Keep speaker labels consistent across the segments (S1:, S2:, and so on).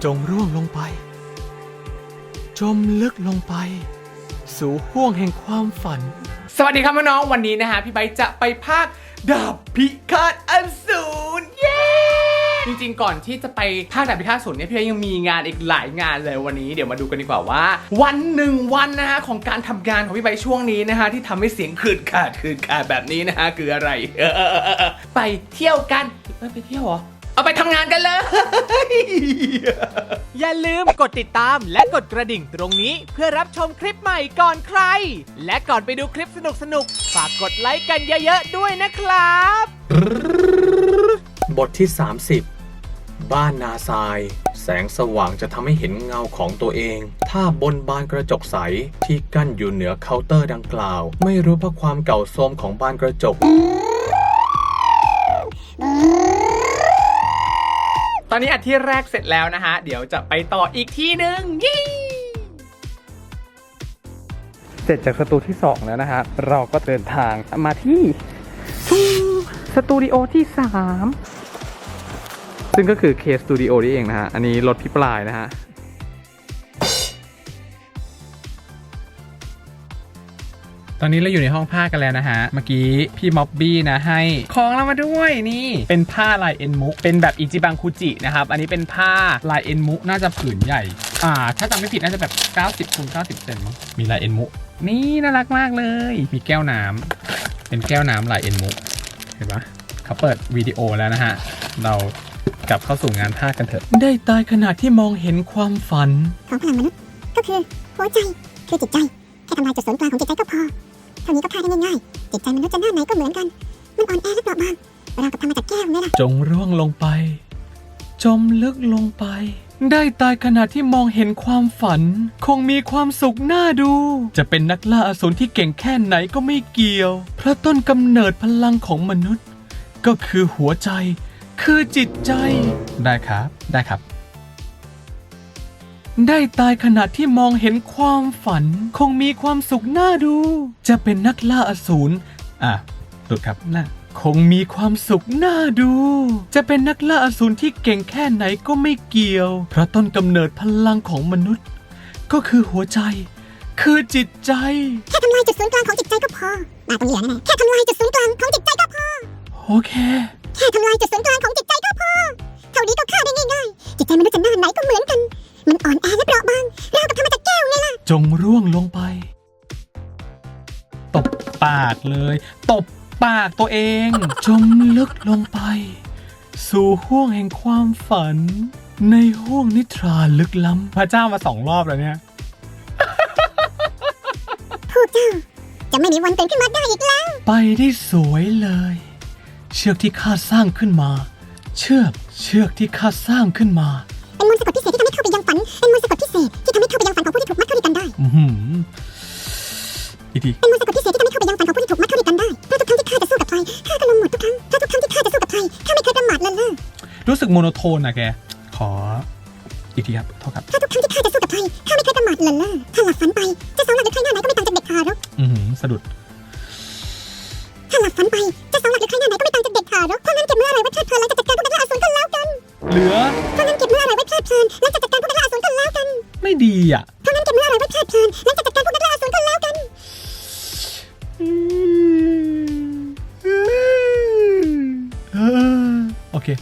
S1: จงร่วงลงไปจมลึกลงไปสู่ห้วงแห่งความฝันสวัสดีครับน้องๆวันนี้นะฮะพี่ไบค์จะไปภาคดาบพิฆาตอสูรเย้จริงๆก่อนที่จะไปภาคดาบพิฆาตอสูรเนี่ยพี่ไบค์ยังมีงานอีกหลายงานเลยวันนี้เดี๋ยวมาดูกันดีกว่าว่าวันนะฮะของการทำงานของพี่ไบค์ช่วงนี้นะฮะที่ทำให้เสียงขืดขาดแบบนี้นะฮะคืออะไรไปเที่ยวกันไปเที่ยวเหรอเอาไปทำงานกันเลย
S2: อย่าลืมกดติดตามและกดกระดิ่งตรงนี้เพื่อรับชมคลิปใหม่ก่อนใครและก่อนไปดูคลิปสนุกฝากกดไลค์กันเยอะๆด้วยนะครับ
S1: บทที่ 30 บ้านนาทรายแสงสว่างจะทำให้เห็นเงาของตัวเองถ้าบนบานกระจกใสที่กั้นอยู่เหนือเคาน์เตอร์ดังกล่าวไม่รู้เพราะความเก่าโทรมของบานกระจกตอนนี้ที่แรกเสร็จแล้วนะฮะเดี๋ยวจะไปต่ออีกที่หนึ่งเสร็จจากสตูที่2แล้วนะฮะเราก็เดินทางมาที่สตูดิโอที่3ซึ่งก็คือ K Studio นี่เองนะฮะอันนี้รถพี่ปลายนะฮะตอนนี้เราอยู่ในห้องผ้ากันแล้วนะฮะเมื่อกี้พี่ม็อบบี้นะให้ของเรามาด้วยนี่เป็นผ้าลายเอ็นมุกเป็นแบบอิจิบังคุจินะครับอันนี้เป็นผ้าลายเอ็นมุกน่าจะผืนใหญ่ถ้าจำไม่ผิดน่าจะแบบ90 คูณ 90 เซนมั้งมีลายเอ็นมุกนี่น่ารักมากเลยมีแก้วน้ำเป็นแก้วน้ำลายเอ็นมุกเห็นปะเขาเปิดวิดีโอแล้วนะฮะเรากลับเข้าสู่งานผ้ากันเถอะได้ตายขณะที่มองเห็นความฝัน
S3: ของพลังมนุษย์ก็คือหัวใจคือจิตใจแค่ทำลายจุดศูนย์กลางของจิตใจก็พอเท่านี้ก็ฆ่าได้ง่ายๆจิตใจมนุษย์จะหน้าไหนก็เหมือนกันมันอ่อนแอและเปราะบางเรากับทำมาจากแก้วนี่แหละ
S1: จงร่วงลงไปจมลึกลงไปได้ตายขณะที่มองเห็นความฝันคงมีความสุขน่าดูจะเป็นนักล่าอสูรที่เก่งแค่ไหนก็ไม่เกี่ยวเพราะต้นกำเนิดพลังของมนุษย์ก็คือหัวใจคือจิตใจได้ครับได้ตายขณะที่มองเห็นความฝันคงมีความสุขน่าดูจะเป็นนักล่าอสูรตุดครับน่ะคงมีความสุขน่าดูจะเป็นนักล่าอสูรที่เก่งแค่ไหนก็ไม่เกี่ยวเพราะต้นกำเนิดพลังของมนุษย์ก็คือหัวใจคือจิตใจ
S3: แค่ทำลายจุดศูนย์กลางของจิตใจก็พอมาตรงนี้แน่แค่ทำลายจุดศูนย์กลางของจิตใจก็พอ
S1: โอเค
S3: แค่ทำลายจุดศูนย์กลางของจิตใจก็พอเท่านี้ก็ฆ่าได้ง่ายๆจิตใจมนุษย์จะหน้าไหนก็เหมือนกันมันอ่อนแอและเปราะบางเรากับทำมาจากแก้วไงล่ะ
S1: จงร่วงลงไปตบปากเลยตบปากตัวเองจมลึกลงไปสู่ห้วงแห่งความฝันในห้วงนิทราลึกล้ำพระเจ้ามา2 รอบแล้วเนี่ย
S3: พวกเจ้าจะไม่มีวันตื่นขึ้นมาได้อีกแล้ว
S1: ไปได้สวยเลยเชือกที่ข้าสร้างขึ้นมาเชือกที่ข้าสร้างขึ้นมา
S3: เป็นมนต์สะกดพิเศษที่ทำให้เข้าไปยังฝันเป็นมนต์สะกดพิเศษที่ทำให้เข้าไปยังฝันของผู้ที่ถูกมัดเข้าด้วยกันได้
S1: อีกที
S3: เป็นมนต์สะกดพิเศษที่ทำให้เข้าไปยังฝันของผู้ที่ถูกมัดเข้าด้วยกันได้เพราะทุกครั้งที่ข้าจะสู้กับใครข้าก็ลงหมดทุกครั้งถ้าทุกครั้งที่ข้าจะสู้กับใครข้าไม่เคยประมาทเลินเล่อ
S1: รู้สึกโมโนโทนนะแกขออีกทีครับโทษครับ
S3: ถ้าทุกครั้งที่ข้าจะสู้กับใครข้าไม่เคยประมาทเลินเล่อถ้าหลับฝันไปจะ2 หลักหรือใครหน้าไหนก็ไม่ต่างจากเด็กทารก
S1: สะดุด
S3: ถ้าหลับฝันไปจะ2 หลักหรือใครหน้าไหนก็ไม่ต่างจากเด็กทารกเพราะงั้นเก็บเมื่อไรไว้เพลิดเพลินหลังจากจัดการพวกนักล่าอสูรกันแล้วกัน
S1: เหลือ
S3: เพราะงั้นเก็บเมื่อไรไว้เพลิดเพลินหลังจากจัดการพวกนักล่าอสูรกันแล้วกัน
S1: ไม่ดี
S3: เพราะงั้นเก็บเมื่อไรไว้เพลิดเพลินหลังจากจัดการพวกนักล่าอสูรกันแล้วกัน
S1: โอเค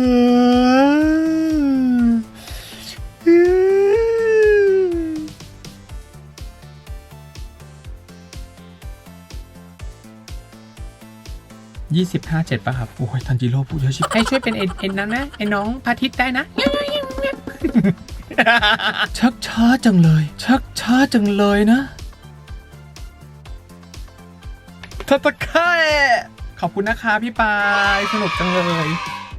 S1: 25 7ป่ะครับโอ้ยทันจิโร่พูดเยอะชิบให้ช่วยเป็นเอ็นนั้นนะไอ้น้องพาทิตได้นะชักช้าจังเลยนะทัตตะไคขอบคุณนะคะพี่ปายสนุกจังเลย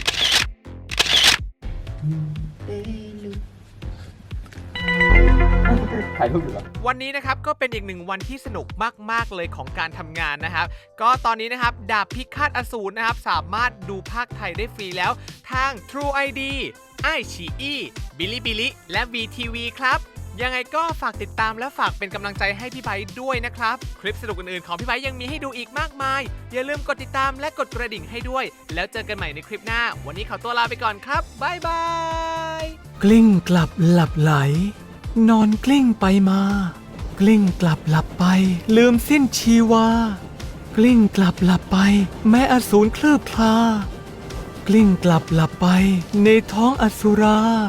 S1: ถ่ายรูปอยู่แล้ว
S2: วันนี้นะครับก็เป็นอีก1 วันที่สนุกมากๆเลยของการทำงานนะครับก็ตอนนี้นะครับดาบพิฆาตอสูรนะครับสามารถดูภาคไทยได้ฟรีแล้วทาง True ID iQIYI Bilibili และ VTV ครับยังไงก็ฝากติดตามและฝากเป็นกำลังใจให้พี่ไบค์ด้วยนะครับคลิปสนุกอื่นๆของพี่ไบค์ยังมีให้ดูอีกมากมายอย่าลืมกดติดตามและกดกระดิ่งให้ด้วยแล้วเจอกันใหม่ในคลิปหน้าวันนี้ขอตัวลาไปก่อนครับบ๊ายบาย
S1: กลิ้งกลับหลับไหล นอนกลิ้งไปมา กลิ้งกลับหลับไปลืมสิ้นชีวากลิ้งกลับหลับไปแม้อสูรเคลือบคลากลิ้งกลับหลับไปในท้องอสุรา